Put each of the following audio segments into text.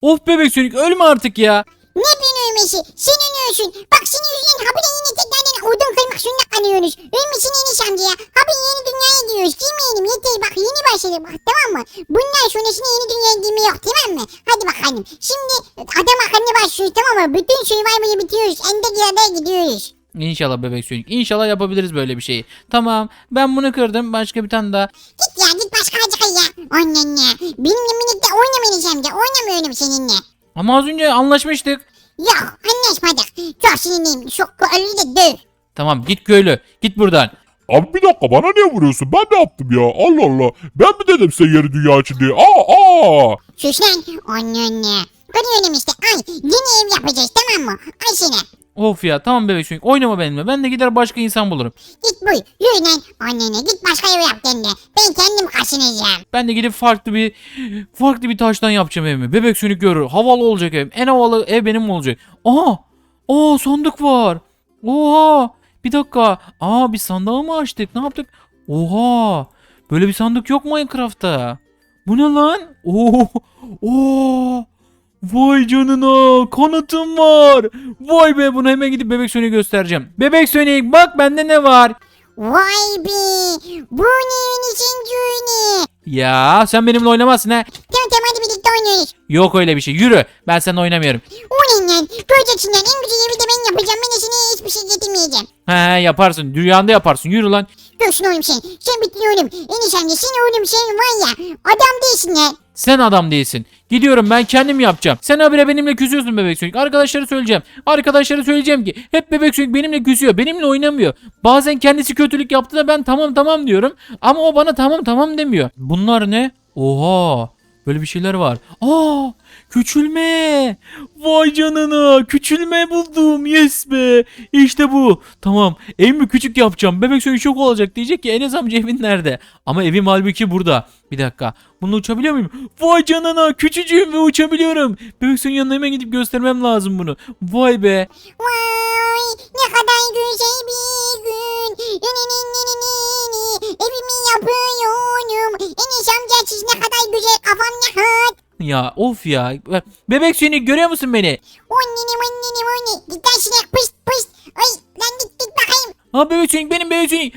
Of bebek Sonic ölme artık ya. Ne ben ölmesi? Sen ölüyorsun. Bak senin yüzünden habire yine tekrardan odun kırmak zorunda kalıyoruz. Ölmesin Enes amca ya. Habire yeni dünyaya gidiyoruz. Girmeyelim yeter bak yeni başladık bak tamam mı? Bundan sonrasında yeni dünyaya girme yok tamam mı? Hadi bakalım. Şimdi adam akıllı başlıyoruz tamam mı? Bütün Survivor'ı bitiriyoruz. Ende adaya gidiyoruz. İnşallah bebek Sonic. İnşallah yapabiliriz böyle bir şeyi. Tamam ben bunu kırdım. Başka bir tane daha. Git ya git başka acıkı ya. Annen ya. Benimle birlikte oynama Enes amca. Oynamıyorum seninle. Ama az önce anlaşmıştık. Yok anlaşmadık. Çok sinirliyim. Çok köylü de döv. Tamam git köylü. Git buradan. Abi bir dakika bana niye vuruyorsun? Ben ne yaptım ya? Allah Allah. Ben mi dedim size yeni dünya için diye? Aa! Sus lan. Annen. Kırıyorum işte. Ay yeni ev yapacağız tamam mı? Ay seni. Of ya tamam bebek Sonic oynama benimle. Ben de gider başka insan bulurum. Git buy. Yürü lan. Annene git başka ev yap kendine. Ben kendim kaşınacağım. Ben de gidip farklı bir taştan yapacağım evimi. Bebek Sonic görür. Havalı olacak ev. En havalı ev benim olacak. Aha! Aa sandık var. Oha! Bir dakika. Aa bir sandığı mı açtık? Ne yaptık? Oha! Böyle bir sandık yok Minecraft'ta. Bu ne lan? Oo! Oo! Vay canına kanatım var. Vay be bunu hemen gidip Bebek Sonic'e göstereceğim. Bebek Sonic bak bende ne var? Vay be. Bu neyin için düğünü? Ya sen benimle oynamazsın ha. Tamam tamam hadi birlikte oynuyoruz. Yok öyle bir şey. Yürü. Ben seninle oynamıyorum. O ne lan? Göreceksin lan. En güzel evi de ben yapacağım. Ben de sana hiçbir şey getirmeyeceğim. He yaparsın. Dünyanda yaparsın. Yürü lan. Görsün oğlum sen. Sen bitti oğlum. Enes amca sen oğlum sen var ya. Adam değilsin lan. Sen adam değilsin. Gidiyorum ben kendim yapacağım. Sen habire benimle küsüyorsun Bebek Sonic. Arkadaşlara söyleyeceğim. Arkadaşlara söyleyeceğim ki hep Bebek Sonic benimle küsüyor. Benimle oynamıyor. Bazen kendisi kötülük yaptı da ben tamam tamam diyorum. Ama o bana tamam tamam demiyor. Bunlar ne? Oha. Böyle bir şeyler var. Aa! Küçülme. Vay canına. Küçülme buldum. Yes be. İşte bu. Tamam. Evimi küçük yapacağım. Bebek Sonic çok olacak. Diyecek ki Enes amca evin nerede? Ama evim halbuki burada. Bir dakika. Bununla uçabiliyor muyum? Vay canına. Küçücüğüm ve uçabiliyorum. Bebek Sonic'in yanına hemen gidip göstermem lazım bunu. Vay be. Vay ne kadar güzel bir gün. Evimi yapıyorum. Enes amca siz ne kadar güzel kafam ne rahat. Ya of ya. Bebek Sonic görüyor musun beni? Anne. Git lan sinek pıst pıst. Ay lan git bakayım. Ha Bebek Sonic benim Bebek Sonic.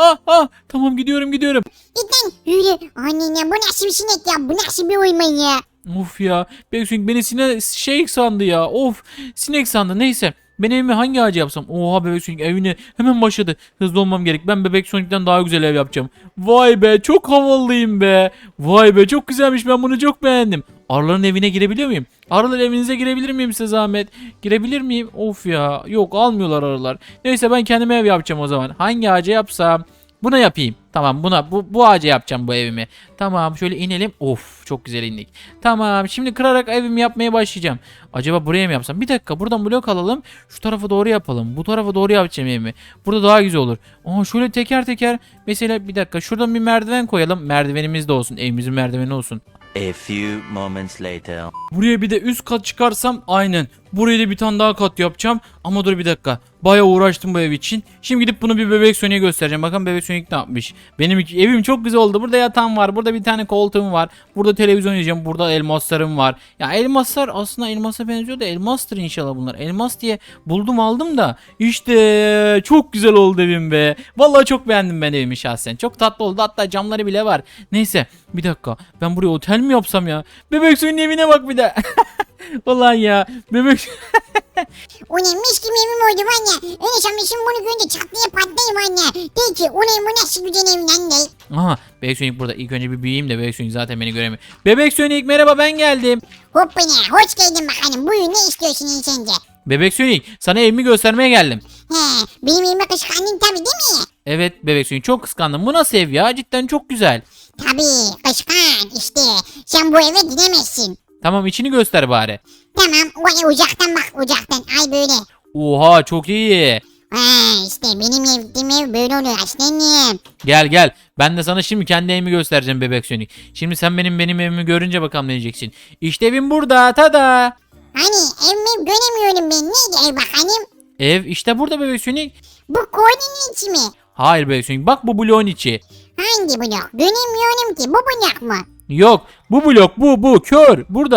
Tamam gidiyorum. Git lan yürü. Anne bu nasıl bir sinek ya? Bu nasıl bir oyman ya? Of ya. Bebek Sonic beni şey sandı ya. Of. Sinek sandı. Neyse. Ben evimi hangi ağaca yapsam? Oha Bebek Sonic evine hemen başladı. Hızlı olmam gerek. Ben Bebek Sonic'ten daha güzel ev yapacağım. Vay be çok havalıyım be. Vay be çok güzelmiş ben bunu çok beğendim. Arıların evine girebiliyor muyum? Arılar evinize girebilir miyim size zahmet? Girebilir miyim? Of ya. Yok almıyorlar arılar. Neyse ben kendime ev yapacağım o zaman. Hangi ağaca yapsam? Buna yapayım. Tamam bu ağaca yapacağım bu evimi. Tamam şöyle inelim. Of çok güzel indik. Tamam şimdi kırarak evimi yapmaya başlayacağım. Acaba buraya mı yapsam? Bir dakika buradan blok alalım. Şu tarafa doğru yapalım. Bu tarafa doğru yapacağım evimi. Burada daha güzel olur. Aa şöyle teker teker. Mesela bir dakika şuradan bir merdiven koyalım. Merdivenimiz de olsun. Evimizin merdiveni olsun. A few moments later. Buraya bir de üst kat çıkarsam aynen. Buraya da bir tane daha kat yapacağım. Ama dur bir dakika. Bayağı uğraştım bu ev için. Şimdi gidip bunu bir Bebek Sonic'e göstereceğim. Bakın Bebek Sonic ne yapmış. Benim evim çok güzel oldu. Burada yatağım var. Burada bir tane koltuğum var. Burada televizyon izleyeceğim. Burada elmaslarım var. Ya elmaslar aslında elmasa benziyor da elmastır inşallah bunlar. Elmas diye buldum aldım da. İşte çok güzel oldu evim be. Vallahi çok beğendim ben evimi şahsen. Çok tatlı oldu. Hatta camları bile var. Neyse bir dakika. Ben buraya otel mi yapsam ya? Bebek Sonic'in evine bak bir de. Vallahi ya. Bebek O ne mis gibi evim oldu var ya. Enes amca şimdi bunu görünce çatlaya patlayayım anne. De ki o ne bu nasıl güzel ev lan de. Aha Bebek Sonic burada. İlk önce bir büyüyeyim de Bebek Sonic zaten beni göremiyor. Bebek Sonic merhaba ben geldim. Hoppana hoş geldin bakalım. Buyur ne istiyorsun insence? Bebek Sonic sana evimi göstermeye geldim. He benim evime kışkandın tabi değil mi? Evet Bebek Sonic çok kıskandım. Bu nasıl ev ya? Cidden çok güzel. Tabi kışkan işte. Sen bu eve gidemezsin. Tamam içini göster bari. Tamam o uzaktan bak uzaktan. Ay böyle. Oha çok iyi. Ha işte benim ev böyle oluyor aslanım. Gel. Ben de sana şimdi kendi evimi göstereceğim Bebek Sonic. Şimdi sen benim evimi görünce bakalım ne diyeceksin. İşte evim burada tada. Hani evimi göremiyorum ben. Neydi ev bakalım? Ev işte burada Bebek Sonic. Bu koordinin içi mi? Hayır Bebek Sonic bak bu bloğun içi. Hangi blok? Göremiyorum ki. Bu blok mu? Yok bu blok bu kör burada.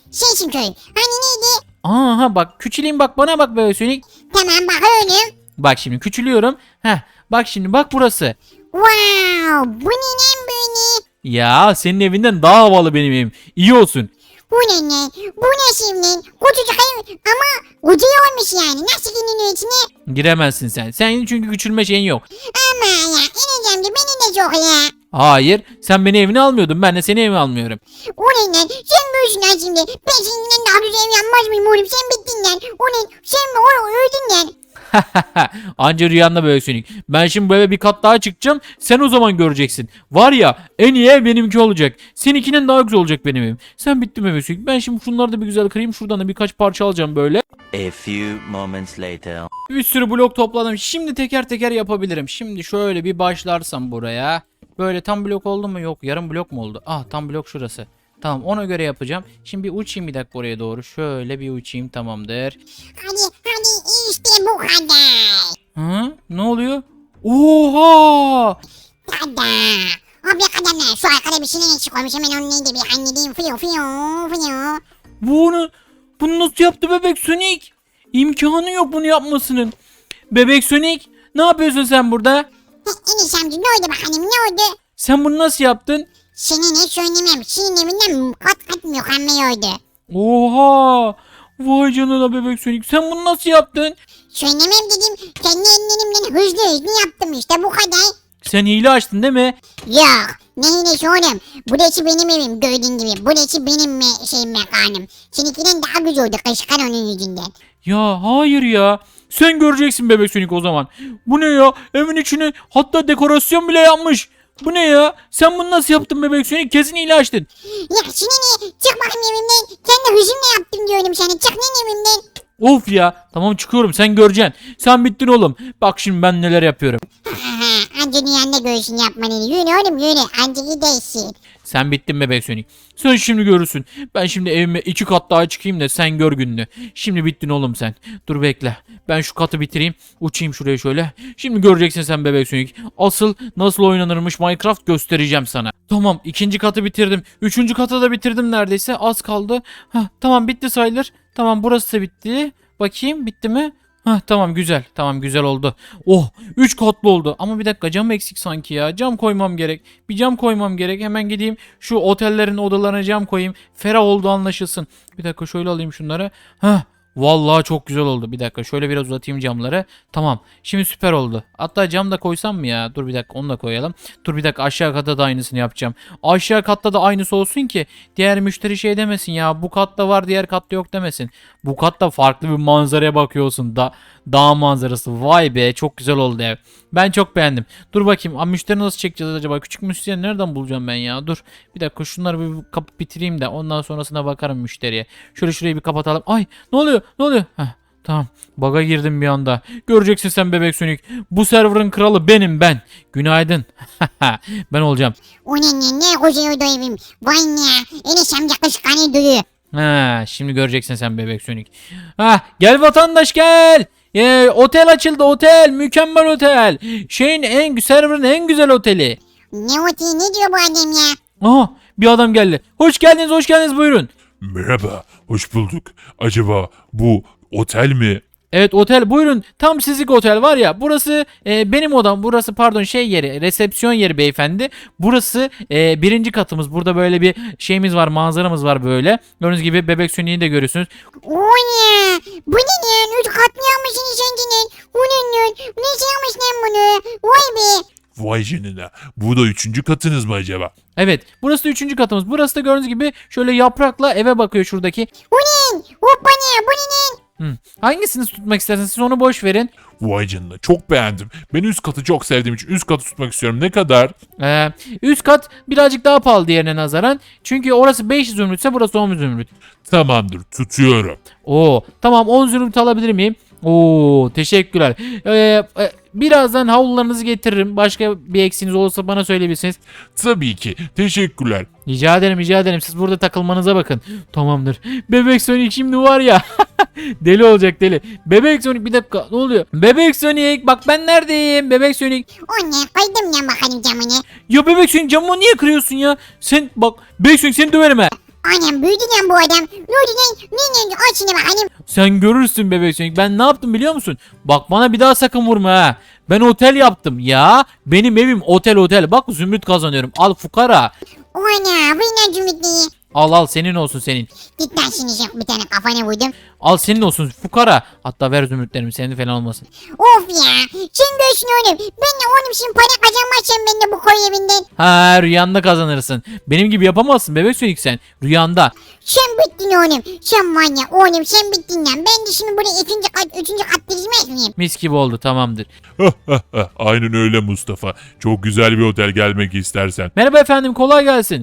Sensin köy. Hani neydi? Aha bak küçüleyim bak bana bak Bebek Sonic. Tamam bakıyorum. Bak şimdi küçülüyorum. Heh bak şimdi bak burası. Wow, bu ne lan böyle? Ya senin evinden daha havalı benim evim. İyi olsun. Bu ne lan? Bu ne şimdi? Küçücük ev ama ucu olmuş yani. Nasıl iniyor içine? Giremezsin sen. Senin çünkü küçülme şeyin yok. Ama ya ineceğim de beni de çok ya. Hayır sen beni evine almıyordun. Ben de seni evime almıyorum. O ne lan? Sen büyüsün lan şimdi. Ben seninle daha güzel ev yapmaz mıyım oğlum? Sen bittin lan. O ne? Sen öldün lan. Anca rüyanda Bebek Sonic. Ben şimdi bu eve bir kat daha çıkacağım. Sen o zaman göreceksin. Var ya en iyi ev benimki olacak. Seninkinin daha güzel olacak benim evim. Sen bittin Bebek Sonic. Ben şimdi şunları da bir güzel kırayım. Şuradan da birkaç parça alacağım böyle. A few moments later. Bir sürü blok topladım. Şimdi teker teker yapabilirim. Şimdi şöyle bir başlarsam buraya. Böyle tam blok oldu mu? Yok. Yarım blok mu oldu? Ah tam blok şurası. Tamam ona göre yapacağım. Şimdi bir uçayım bir dakika oraya doğru. Şöyle bir uçayım tamamdır. Hadi işte bu kadar. Hı? Ne oluyor? Oha! Tada. Abi kadar şu arkada bir şeyler eksik olmuş. Hemen onu neydi bir halledeyim. Fiyo fiyo fiyo. Bunu nasıl yaptı Bebek Sonic? İmkanı yok bunu yapmasının. Bebek Sonic ne yapıyorsun sen burada? Enes amca ne oldu bakalım ne oldu? Sen bunu nasıl yaptın? Senin hiç söylemem. Senin evinden kat kat mükemmel oldu. Oha! Vay canına Bebek Sonic sen bunu nasıl yaptın? Söylemem dedim. Kendi ellerimden hızlı yaptım işte bu kadar. Sen hile açtın değil mi? Yok. Ne hilesi oğlum? Burası benim evim gördüğün gibi. Burası benim mekanım. Seninkinden daha güzel oldu kışkan onun yüzünden. Ya hayır ya. Sen göreceksin Bebek Sonic o zaman. Bu ne ya? Evin içine hatta dekorasyon bile yapmış. Bu ne ya? Sen bunu nasıl yaptın Bebek Sonic? Kesin hile açtın. Ya şimdi ne? Çık bakayım evimden. Kendi hızımla yaptım diyorum sana. Çık lan evimden. Of ya. Tamam çıkıyorum sen göreceksin. Sen bittin oğlum. Bak şimdi ben neler yapıyorum. Anca dünyanın da göğsün yapmanı. Yürü oğlum yürü. Anca gidersin. Sen bittin Bebek Sonic. Sen şimdi görürsün. Ben şimdi evime 2 kat daha çıkayım da sen gör gününü. Şimdi bittin oğlum sen. Dur bekle. Ben şu katı bitireyim. Uçayım şuraya şöyle. Şimdi göreceksin sen Bebek Sonic. Asıl nasıl oynanırmış Minecraft göstereceğim sana. Tamam 2. katı bitirdim. 3. katı da bitirdim neredeyse. Az kaldı. Hah, tamam bitti sayılır. Tamam burası da bitti. Bakayım bitti mi? Hah tamam güzel. Tamam güzel oldu. Oh 3 katlı oldu. Ama bir dakika cam eksik sanki ya. Cam koymam gerek. Bir cam koymam gerek. Hemen gideyim şu otellerin odalarına cam koyayım. Ferah oldu anlaşılsın. Bir dakika şöyle alayım şunları. Hah vallahi çok güzel oldu. Bir dakika şöyle biraz uzatayım camları. Tamam. Şimdi süper oldu. Hatta cam da koysam mı ya? Dur bir dakika onu da koyalım. Dur bir dakika aşağı katta da aynısını yapacağım. Aşağı katta da aynısı olsun ki diğer müşteri şey demesin ya. Bu katta var diğer katta yok demesin. Bu katta farklı bir manzaraya bakıyorsun. Dağ manzarası. Vay be çok güzel oldu ev. Ben çok beğendim. Dur bakayım. Müşteri nasıl çekeceğiz acaba? Küçük müşteri nereden bulacağım ben ya? Dur. Bir dakika şunları bir kapıp bitireyim de ondan sonrasına bakarım müşteriye. Şöyle şurayı bir kapatalım. Ay ne oluyor? Ne oluyor? Heh, tamam. Bug'a girdim bir anda. Göreceksin sen Bebek Sonic. Bu server'ın kralı benim ben. Günaydın. Ben olacağım. O ne güzel oldu evim. Vay ne. Enes amca kışkanı duruyor. Ha, şimdi göreceksin sen Bebek Sonic. Ha, gel vatandaş gel. Otel açıldı otel. Mükemmel otel. Server'ın en güzel oteli. Ne oteli ne diyor bu adam ya? Aha bir adam geldi. Hoş geldiniz buyurun. Merhaba, hoş bulduk. Acaba bu otel mi? Evet otel buyurun. Tam sizlik otel var ya. Burası benim odam. Burası pardon şey yeri. Resepsiyon yeri beyefendi. Burası 1. katımız. Burada böyle bir şeyimiz var. Manzaramız var böyle. Gördüğünüz gibi Bebek Sonic'i de görüyorsunuz. O ne? Bu ne lan? 3 kat mı yapmışsın kendine? O ne? Ne yapmış lan bunu? Vay be. Vay canına. Bu da 3. katınız mı acaba? Evet burası da 3. katımız. Burası da gördüğünüz gibi şöyle yaprakla eve bakıyor şuradaki. O ne? Hoppa ne? Bu ne lan? Hangisini tutmak isterseniz siz onu boş verin. Vay canına çok beğendim. Ben üst katı çok sevdiğim için üst katı tutmak istiyorum. Ne kadar? Üst kat birazcık daha pahalı diğerine nazaran. Çünkü orası 500 zümrütse burası 10 zümrüt. Tamamdır tutuyorum. Oo tamam 10 zümrüt alabilir miyim? Oo teşekkürler. Birazdan havlularınızı getiririm. Başka bir eksiğiniz olursa bana söyleyebilirsiniz. Tabii ki. Teşekkürler. Rica ederim. Siz burada takılmanıza bakın. Tamamdır. Bebek Sonic şimdi var ya. Deli olacak deli. Bebek Sonic bir dakika ne oluyor? Bebek Sonic bak ben neredeyim? Bebek Sonic. O ne? Kaydım lan bakalım camını. Ya Bebek Sonic camımı niye kırıyorsun ya? Sen bak Bebek Sonic seni döverim ha. Anam büyüdü lan bu adam. Ne oldu lan? Ne aç şimdi bakalım. Sen görürsün bebek Sonic. Ben ne yaptım biliyor musun? Bak bana bir daha sakın vurma ha. Ben otel yaptım ya. Benim evim otel. Bak zümrüt kazanıyorum. Al fukara. Ana bu ne cümletliği. Al senin olsun senin. Git lan şimdi bir tane kafana vurdum. Al senin olsun fukara. Hatta ver zümrütlerimi senin falan olmasın. Of ya. Şimdi görsün oğlum. Ben de oğlum şimdi para kazanmazsam ben de bu koy evinden. Ha rüyanda kazanırsın. Benim gibi yapamazsın bebek Sonic sen. Rüyanda. Sen bittin oğlum. Sen var ya oğlum sen bittin lan. Ben de şimdi buraya üçüncü kat dizmez miyim? Mis gibi oldu tamamdır. Aynen öyle Mustafa. Çok güzel bir otel gelmek istersen. Merhaba efendim kolay gelsin.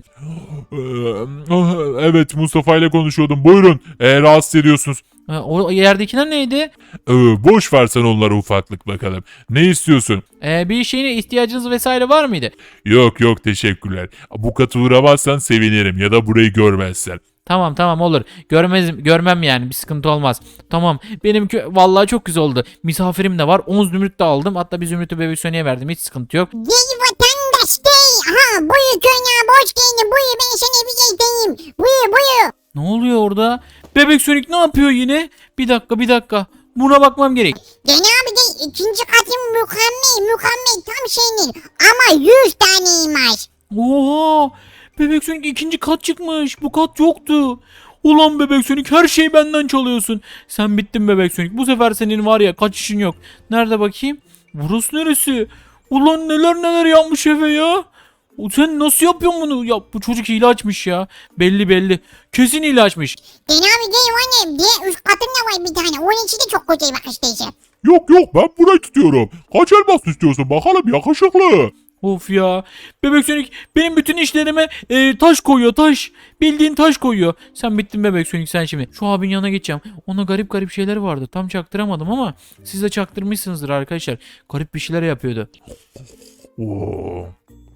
Evet Mustafa ile konuşuyordum. Buyurun. Rahatsız ediyorsunuz. O yerdekiler neydi? Boş versen onlara ufaklık bakalım. Ne istiyorsun? Bir şeyine ihtiyacınız vesaire var mıydı? Yok teşekkürler. Bu katı uğramazsan sevinirim ya da burayı görmezsen. Tamam olur. Görmem yani bir sıkıntı olmaz. Tamam benim vallahi çok güzel oldu. Misafirim de var. 10 zümrüt de aldım. Hatta bir zümrütü bebek Sonic'e verdim. Hiç sıkıntı yok. Gel vatandaş gel. Aha buyur köyüne hoş geldin. Buyur ben sana bir getireyim. Buyur. Ne oluyor orada? Bebek Sonic ne yapıyor yine? Bir dakika. Buna bakmam gerek. Gene abi gel. İkinci katın mükemmel tam senin. Ama 100 taneymiş. Oha! Bebek Sonic ikinci kat çıkmış. Bu kat yoktu. Ulan Bebek Sonic her şeyi benden çalıyorsun. Sen bittin Bebek Sonic. Bu sefer senin var ya kaçışın yok. Nerede bakayım? Burası neresi? Ulan neler yapmış eve ya. Sen nasıl yapıyorsun bunu? Ya bu çocuk hile açmış ya. Belli. Kesin hile açmış. Gene abi gel annem. Diye üst katın da var bir tane. Onun içi de çok güzel bak işte. Yok ben burayı tutuyorum. Kaç elmas istiyorsun bakalım yakışıklı. Of ya. Bebek Sonic benim bütün işlerime taş koyuyor taş. Bildiğin taş koyuyor. Sen bittin Bebek Sonic sen şimdi. Şu abinin yanına geçeceğim. Ona garip şeyler vardı. Tam çaktıramadım ama siz de çaktırmışsınızdır arkadaşlar. Garip bir şeyler yapıyordu. Oo.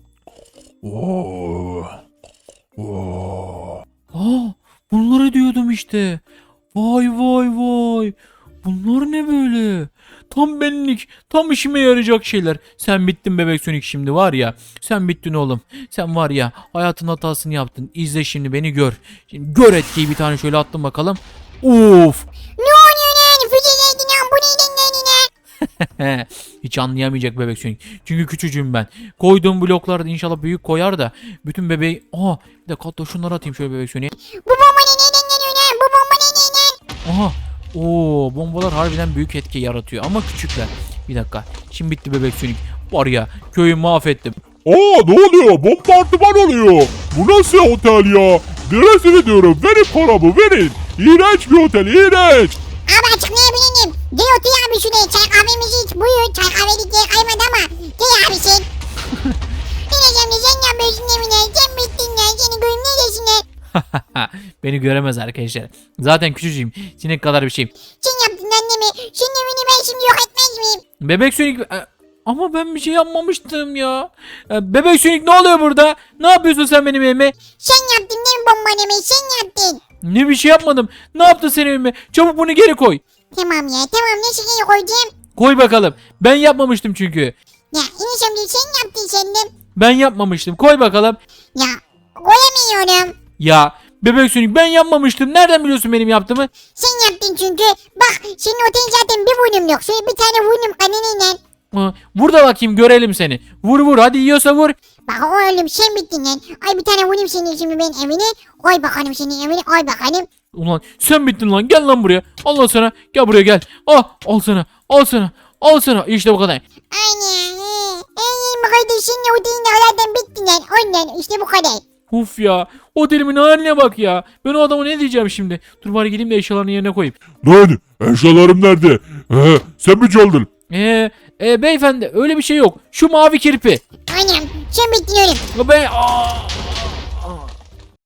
Bunları diyordum işte. Vay. Bunlar ne böyle? Tam benlik, tam işime yarayacak şeyler. Sen bittin Bebek Sonic şimdi var ya. Sen bittin oğlum. Sen var ya hayatın hatasını yaptın. İzle şimdi beni gör. Şimdi gör etkiyi bir tane şöyle attım bakalım. Of. Ne oluyor lan? Füzeler lan bu neyden lan? Hiç anlayamayacak Bebek Sonic. Çünkü küçücüğüm ben. Koyduğum bloklarda inşallah büyük koyar da bütün bebeği... Bir dakika hatta şunları atayım şöyle Bebek Sonic'e. Bu bomba neyden geliyor lan? Bu bomba neyden? Aha. Bombalar harbiden büyük etki yaratıyor ama küçükler. Bir dakika. Şimdi bitti Bebek Sonic. Var ya köyü mahvettim. Ne oluyor? Bombardıman oluyor. Bu nasıl otel ya? Neresini diyorum? Verin paramı verin. İğrenç bir otel iğrenç. Abi açıklayabilirim. Gel otur abi şuraya çay kahvemizi iç. Buyur çay kahvelik diye kaymadı ama. Gel abi sen. Dinleyeceğim de sen yapıyorsun evine. Sen bittin lan. Seni göreyim neredesin lan? Beni göremez arkadaşlar. Zaten küçücüğüm. Sinek kadar bir şeyim. Sen yaptın annemi. Senin evini ben şimdi yok etmez miyim? Bebek Sonic... Ama ben bir şey yapmamıştım ya. Bebek Sonic ne oluyor burada? Ne yapıyorsun sen benim evime? Sen yaptın değil mi bombanımı? Sen yaptın. Ne bir şey yapmadım. Ne yaptın sen evime? Çabuk bunu geri koy. Tamam ya tamam nasıl geri koyacağım? Koy bakalım. Ben yapmamıştım çünkü. Ya enişem değil sen yaptın sen de. Ben yapmamıştım. Koy bakalım. Ya koyamıyorum. Ya Bebek Sonic ben yapmamıştım. Nereden biliyorsun benim yaptığımı? Sen yaptın çünkü. Bak senin otelin zaten bir vurnum yok. Şöyle bir tane vurnum kanınıyla. Vur da bakayım görelim seni. Vur hadi yiyorsa vur. Bak oğlum sen bittin lan. Ay bir tane vurayım senin şimdi ben evine. Koy bakalım senin evine koy bakalım. Ulan sen bittin lan gel lan buraya. Allah sana gel buraya gel. Al sana. İşte bu kadar. Aynen. Bu kadar senin otelin zaten bitti lan. Ondan işte bu kadar. Uf ya. Otelimin haline bak ya. Ben o adama ne diyeceğim şimdi? Dur bari gideyim de eşyalarını yerine koyayım. Lan eşyalarım nerede? Sen mi çaldın? Beyefendi öyle bir şey yok. Şu mavi kirpi. Aynen sen bittin oğlum. Ben